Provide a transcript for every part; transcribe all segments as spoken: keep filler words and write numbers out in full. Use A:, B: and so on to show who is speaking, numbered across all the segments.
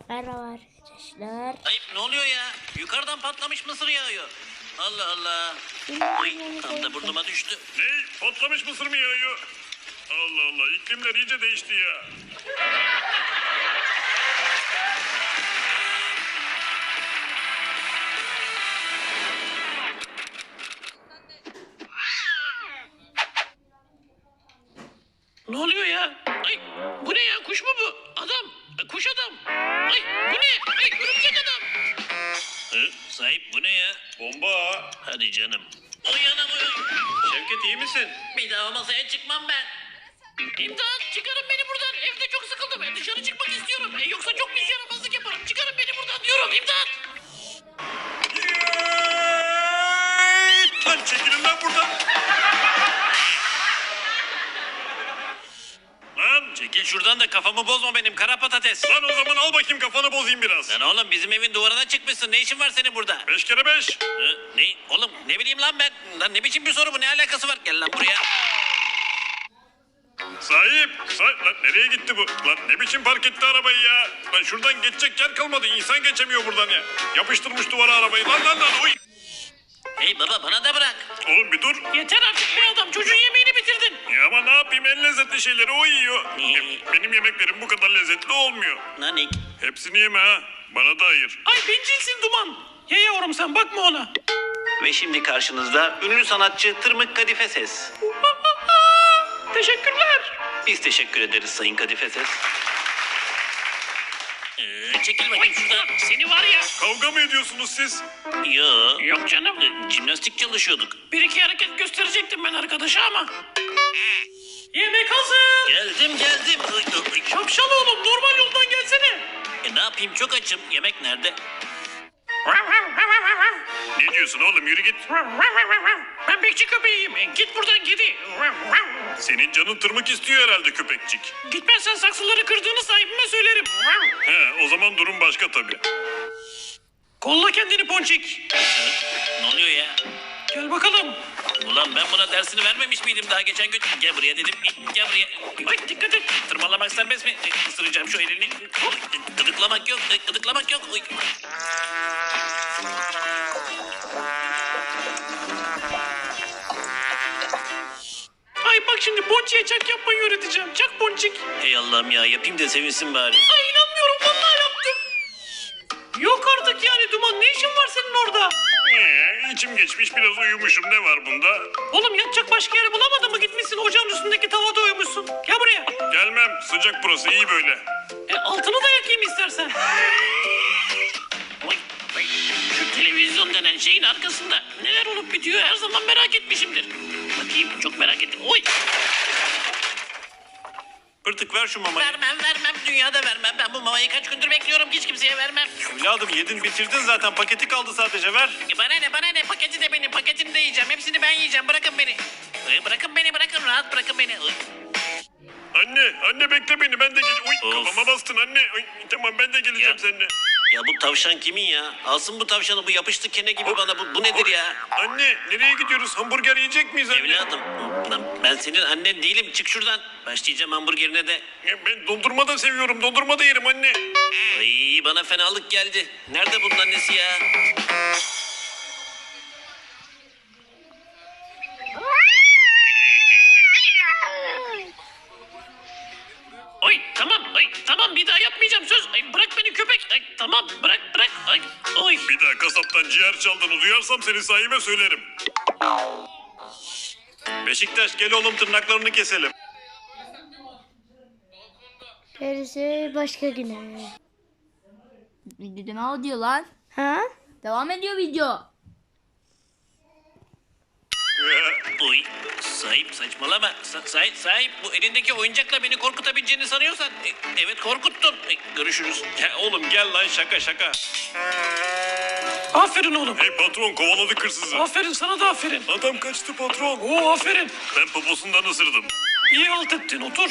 A: Merhaba arkadaşlar.
B: Ayıp, ne oluyor ya? Yukarıdan patlamış mısır yağıyor. Allah Allah. Ay, tam da burnuma düştü.
C: Ne? Patlamış mısır mı yağıyor? Allah Allah, iklimler iyice değişti ya.
B: Ne oluyor ya? Ay, bu ne ya? Kuş mu bu? Adam. Kuş adam. Ay, bu ne? Ay, örümcek adam. Hı, sahip bu ne ya?
C: Bomba.
B: Hadi canım. Oy anam oy.
C: Şevket iyi misin?
B: Bir daha masaya çıkmam ben. İmdat, çıkarın beni buradan. Evde çok sıkıldım. E, dışarı çıkmak istiyorum. E, yoksa çok pis yaramazlık yaparım. Çıkarın beni buradan diyorum. İmdat.
C: Lan çekilin lan buradan. Lan,
B: Çekil şuradan da kafamı bozma benim kara patates.
C: lan o zaman al bakayım kafanı bozayım biraz.
B: Lan oğlum bizim evin duvarına çıkmışsın. Ne işin var senin burada?
C: Beş kere beş.
B: Hı, ne? Oğlum ne bileyim lan ben. Lan ne biçim bir soru bu? Ne alakası var? Gel lan buraya.
C: Sahip. Sahip. Lan nereye gitti bu? Lan ne biçim park etti arabayı ya? Lan şuradan geçecek yer kalmadı. İnsan geçemiyor buradan ya. Yapıştırmış duvara arabayı. Lan lan lan. Uy.
B: Hey baba bana da bırak.
C: Oğlum bir dur.
B: Yeter artık be adam. Çocuğun yemeğini bitirdin.
C: Ya ama ne yapayım, en lezzetli şeyleri o yiyor. E, benim yemeklerim bu kadar lezzetli olmuyor.
B: Nanik.
C: Hepsini yeme ha. Bana da ayır.
D: Ay bencilsin Duman. Ye yavrum sen bakma ona.
B: Ve şimdi karşınızda ünlü sanatçı Tırmık Kadife Ses.
D: Teşekkürler.
B: Biz teşekkür ederiz Sayın Kadife Ses. Ee, çekil bakayım şuradan.
D: Seni var ya.
C: Kavga mı ediyorsunuz siz?
B: Yo.
D: Yok canım.
B: Ee, Jimnastik çalışıyorduk.
D: Bir iki hareket gösterecektim ben arkadaşa ama. Yemek hazır.
B: Geldim geldim. Ay, ay, ay.
D: Şapşal oğlum normal yoldan gelsene.
B: E, ne yapayım çok açım. Yemek nerede?
C: Ne diyorsun oğlum, yürü git.
D: Ben bekçi köpeğiyim. E, Git buradan gidi.
C: Senin canın tırmık istiyor herhalde köpekçik.
D: Gitmezsen saksıları kırdığını sahibime söylerim.
C: He, o zaman durum başka tabii.
D: Kolla kendini Ponçik.
B: Ne oluyor ya?
D: Gel bakalım.
B: Ulan ben buna dersini vermemiş miydim daha geçen gün? Gel buraya dedim. Gel buraya.
D: Ay dikkat et.
B: Tırmalamak serbest mi? E, Isıracağım şu elini. Oy, Gıdıklamak yok. e, Gıdıklamak yok. Oy.
D: Ay bak şimdi Ponçik'e çak yapmayı öğreteceğim. Çak Ponçik.
B: Hey Allah'ım ya yapayım da sevinsin bari.
D: Ay inanmıyorum vallahi yaptım. Yok artık yani Duman ne işin var senin orada?
C: Ee, içim geçmiş, biraz uyumuşum, ne var bunda?
D: Oğlum yatacak başka yer bulamadın mı gitmişsin ocağın üstündeki tavada uyumuşsun. Gel buraya.
C: Gelmem, sıcak burası, iyi böyle.
D: E, altını da yakayım istersen.
B: Oy, oy. Şu televizyon denen şeyin arkasında neler olup bitiyor her zaman merak etmişimdir. Bakayım çok merak ettim. Oy.
C: Pırtık ver şu mamayı.
B: Vermem vermem dünyada vermem. Ben bu mamayı kaç gündür bekliyorum hiç kimseye vermem.
C: Evladım yedin bitirdin zaten, paketi kaldı sadece, ver.
B: E, Bana ne bana ne paketi de benim paketini de yiyeceğim. Hepsini ben yiyeceğim bırakın beni. E, Bırakın beni bırakın rahat bırakın beni. Oy.
C: Anne, anne bekle beni, ben de gel. Uy,
B: Of.
C: kafama bastın anne. Uy, tamam, ben de geleceğim
B: Ya.
C: seninle.
B: Ya bu tavşan kimin ya? Alsın bu tavşanı bu yapıştı kene gibi bana. Bu, bu nedir ya?
C: Anne, nereye gidiyoruz? Hamburger yiyecek miyiz anne?
B: Evladım lan ben senin annen değilim çık şuradan. Başlayacağım hamburgerine de.
C: Ya ben dondurma da seviyorum, dondurma da yerim anne.
B: Ay bana fenalık geldi. Nerede bunun annesi ya?
D: Ay tamam ay tamam bir daha yapmayacağım söz. Ay bırak beni köpek. Ay tamam bırak bırak. Ay oy.
C: Bir daha kasaptan ciğer çaldığını duyarsam seni sahibe söylerim. Beşiktaş gel oğlum, tırnaklarını keselim.
A: Gerisi başka güne.
E: Video devam ediyor lan.
A: Ha?
E: Devam ediyor video.
B: Oy sahip saçmalama. Sa- sahip, sahip bu elindeki oyuncakla beni korkutabileceğini sanıyorsan. e, evet korkuttun. E, görüşürüz.
C: Ya oğlum gel lan, şaka şaka.
D: Aferin oğlum.
C: Hey patron, kovaladık hırsızı.
D: Aferin sana da aferin.
C: Adam kaçtı patron.
D: Oo aferin.
C: Ben poposundan ısırdım.
D: İyi halt ettin otur.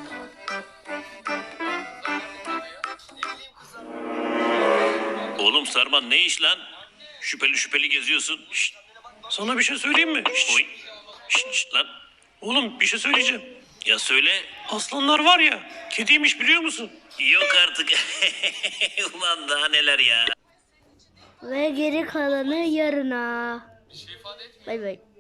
B: Oğlum Sarman ne iş lan? Şüpheli şüpheli geziyorsun. Şşt,
D: Sana bir şey söyleyeyim mi? Şşt,
B: oy. Şşt, şşt lan.
D: Oğlum bir şey söyleyeceğim.
B: Ya söyle.
D: Aslanlar var ya
B: Kediymiş biliyor musun?
D: Yok artık. Ulan daha neler ya.
A: Ve geri kalanı yarına. Bay bay.